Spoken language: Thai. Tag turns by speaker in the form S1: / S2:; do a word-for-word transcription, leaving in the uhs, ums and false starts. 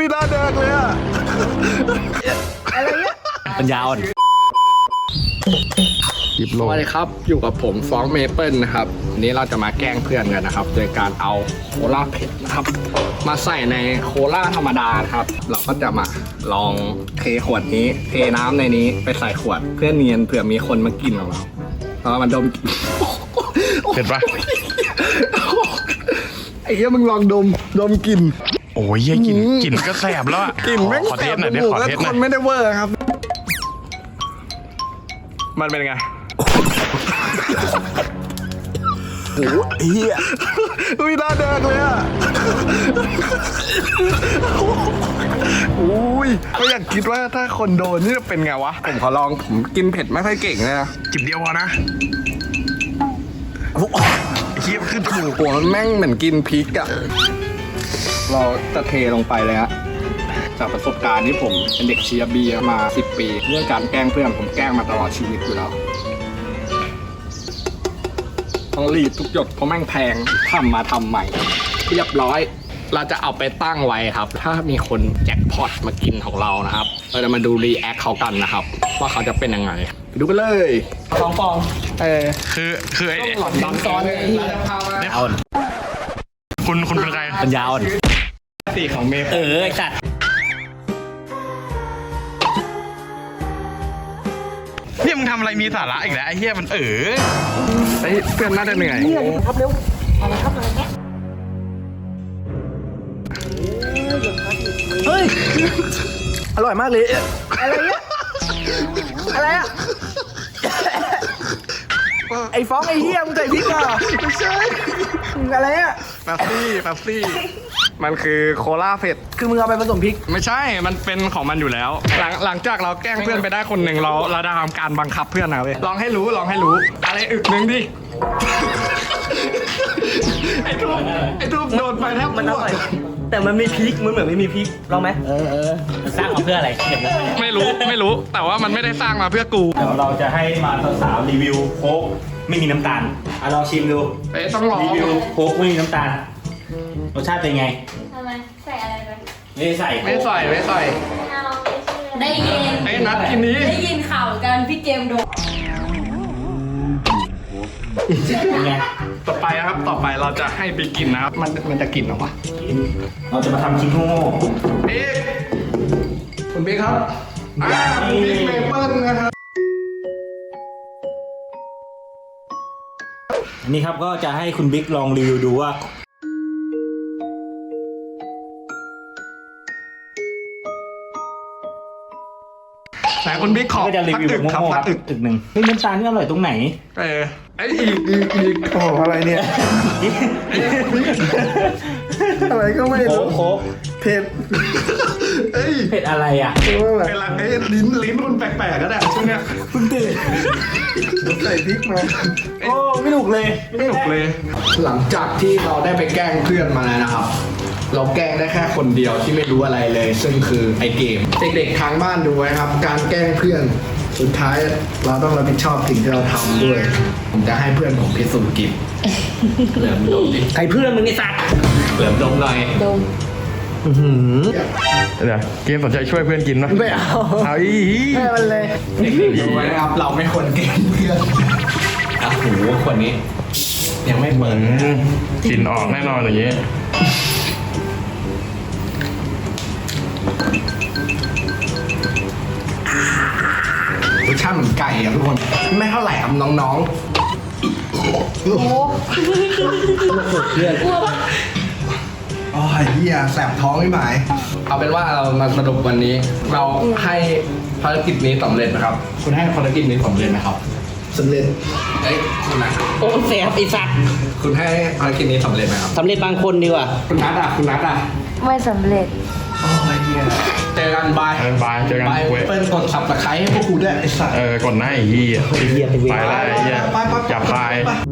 S1: หน้าแดงเลยอะอะไรเงี้ย
S2: ปัญญาอ่อนสวัสดีครับอยู่กับผมฟ้องเมเปิลนะครับวันนี้เราจะมาแกล้งเพื่อนกันนะครับโดยการเอาโคลาเผ็ดนะครับมาใส่ในโคลาธรรมดาครับเราก็จะมาลองเทขวดนี้เทน้ำในนี้ไปใส่ขวดเพื่อเนียนเผื่อมีคนมากินของเราแล้วมันดมกลิ่น
S1: เผ็ดปะไอ้เหี้ยมึงลองดมดมกลิ่น
S3: โอ้ยกลิ่นกลิ่นก็แสบแล้วอะ
S1: กลิ่นแม่ง
S3: ขอ
S1: แส
S3: เท
S1: บ
S3: สหน่อย
S1: จ
S3: ดิ
S1: มูก
S3: ขอ
S1: แล้ว
S3: เทส
S1: ค
S3: หน่อย
S1: นไม่ได้เวอร์ครับ
S3: มันเป็นไง
S1: โอ้เหี้ยอุ้ยหน้าแดงเลยอะอุ้ยก็อยากคิดว่าถ้าคนโดนนี่จะเป็นไงวะผมขอลองผมกินเผ็ดไม่ค่อยเก่งเลยนะ
S3: จิบเดียวพอนะเฮียขึ้นจมูก
S1: หัวมันแม่งเหมือนกินพริกอะเราจะเทลงไปเลยฮะจากประสบการณ์ที่ผมเป็นเด็กเชียร์เบียร์มาสิบปีเรื่องการแกล้งเพื่อนผมแกล้งมาตลอดชีวิตอยู่แล้วต้องรีดทุกหยดเพราะแม่งแพงทำมาทำใหม่เรียบร้อยเราจะเอาไปตั้งไว้ครับถ้ามีคนแจ็คพอตมากินของเรานะครับเราจะมาดูรีแอคเขากันนะครับว่าเขาจะเป็นยังไงไปดูกันเลยสองฟองเออ
S3: คือคือไอ้
S1: หลอดซ้อนเลยเราจะพามา
S2: อ่อน
S3: คุณคุณเป็นใคร
S2: ปัญญาอ่อน
S1: สีของเมฟ
S2: เออจัด
S3: เนี่ยมึงทำอะไรมีสาระอีกแล้วไอ้เฮียมันเออ
S1: เฮ้ยเพื่อนน่าจะเหนื่อยครับเร็วอะไรครับอะไรครับเฮ้ยอร่อยมากเลยอะไรเนี่ยอะไรอะไอ้ฟ้องไอ้เหี้ยมึงใส่พริกเหรอไม่ใช่อะไรอะแป๊บซี่แป๊บซี่มันคือโคลาเผ็ดคือมึงเอาไปผสมพริกไม่ใช่มันเป็นของมันอยู่แล้วหลังหลังจากเราแกล้งเพื่อนไปได้คนหนึ่งเราเราได้ทำการบังคับเพื่อนนะเว้ยลองให้รู้ลองให้รู้อะไรอึกนึงดิไอ้ทูบไอ้ทูบโดนไปแทบ
S4: มันอร่อยแต่มันมีพริกมันเหมือนไม่มีพริกลองไหม
S2: เออเออสร้างมาเพื่ออะไรเก็บแล้ว
S1: ไม่รู้ไม่รู้แต่ว่ามันไม่ได้สร้างมาเพื่อกู
S4: เดี๋ยวเราจะให้มาสาวๆรีวิวโค้กไม่มีน้ำตาลอ่ะลองชิมดู
S1: เอ้ยต้องลอง
S4: รีวิวโค้กไม่มีน้ำตาลรสชาติเป็นไง
S5: ทำไมใส่อะไรไป
S4: ไม่ได้ใส่
S1: ไม่ใส่ไม่ใส่
S5: เอาไม่เชื่อได้ยิน
S1: ไอ้นัดกินนี้
S5: ได้ยินข่าวกันพี่เกมโดน
S4: เป็นไง
S1: ต่อไปนะครับต่อไปเราจะให้ไปกินนะครับมันมันจะกินหรอวะ
S4: เราจะมาทำชิ้นโง่
S1: บิ๊กคุณบิ๊กครับอ่าคุณบิ๊กเมเปิ้ลนะครับ
S4: อันนี้ครับก็จะให้คุณบิ๊กลองรีวิวดูว่า
S1: แต่คุณบิ๊กขอ
S4: ก็จะรี
S1: พัก
S4: วิว
S1: อึ
S4: แบบ
S1: กครับ
S4: โง่ๆค
S1: พั
S4: รั
S1: ก
S4: บ
S1: อึก
S4: อึกหนึ่งเฮ้ยน้ำตาลนี่อร่อยตรงไหน
S1: เออไอ้อีกอีกอีกโอ้อะไรเนี่ยอะไรก็ไม่
S4: โค้
S1: รู้
S4: กโค้ก
S1: เผ็ดเอ้ย
S4: เผ็ดอะไรอ่ะ
S1: เป็นไรเอ้ยลิ้นลิ้นมันแปลกๆก็ได้ช่วงเนี้ยเพิ่งตื่นใส่พริกมา
S4: โอ้ไม่ถูกเลย
S1: ไม่หนุกเลย หลังจากที่เราได้ไปแกล้งเพื่อนมาแล้วนะครับ เราแกล้งได้แค่คนเดียวที่ไม่รู้อะไรเลย ซึ่งคือไอเกมเด็กๆทางบ้านดูไว้ครับ การแกล้งเพื่อนสุดท้ายเราต้องรับผิดชอบสิ่งที่เราทำด้วย ผมจะให้เพื่อนผมพิสูจน์กินเหลือมดมดิ
S4: ใครเพื่อนมึงไอ้สัตว์
S1: เหลือมดมหน่อย
S5: ดม
S3: เดี๋ยวเกมสนใจช่วยเพื่อนกินไหม
S1: ไม่เอา
S3: เอาอี
S1: ให้มันเลยเด็กๆดูไว้นะครับ เราไม่ควรแกล้งเพื่อนอ่ะโหคนนี้ ยังไม่เปิด
S3: อืมกลิ่นออกแน่นอนอย่างนี้
S1: รสชาติเหมือนไก่อะทุกคน ไม่เท่าไหร่ครับน้องๆ
S5: โอ้กลัวปะ
S1: อ๋อเฮียแสบท้องไม่หมาย เอาเป็นว่าเรามาสรุปวันนี้ เราให้ภารกิจนี้สำเร็จนะครับ คุณให้ภารกิจนี้สำเร็จนะครับสำเร็จเอ้ยคุณนะ
S2: โอ้เสียไอ้สัตว์
S1: คุณให้ภารกิจนี้สำเร็จไหมครับ
S2: สำเร็จบางคนดีกว่า
S1: คุณนัทอ่ะคุณนัทอ่ะ
S5: ไม่สำเร็จ
S1: โอ้ยเฮียเจอกันบาย
S3: เออบายเจอกัน
S1: บาย
S3: เว้ย
S1: เปิ้ลกดสับตะไคร้ให้พวกกูด้วยไอ้สัส
S3: เออกดหน้าไอ้เหี้ย
S4: ไอ้เหี้ยไปเวร
S3: ไปแล้วไอ้เหี้ย
S1: ไปไปไป
S3: อย่าพาย
S1: ไป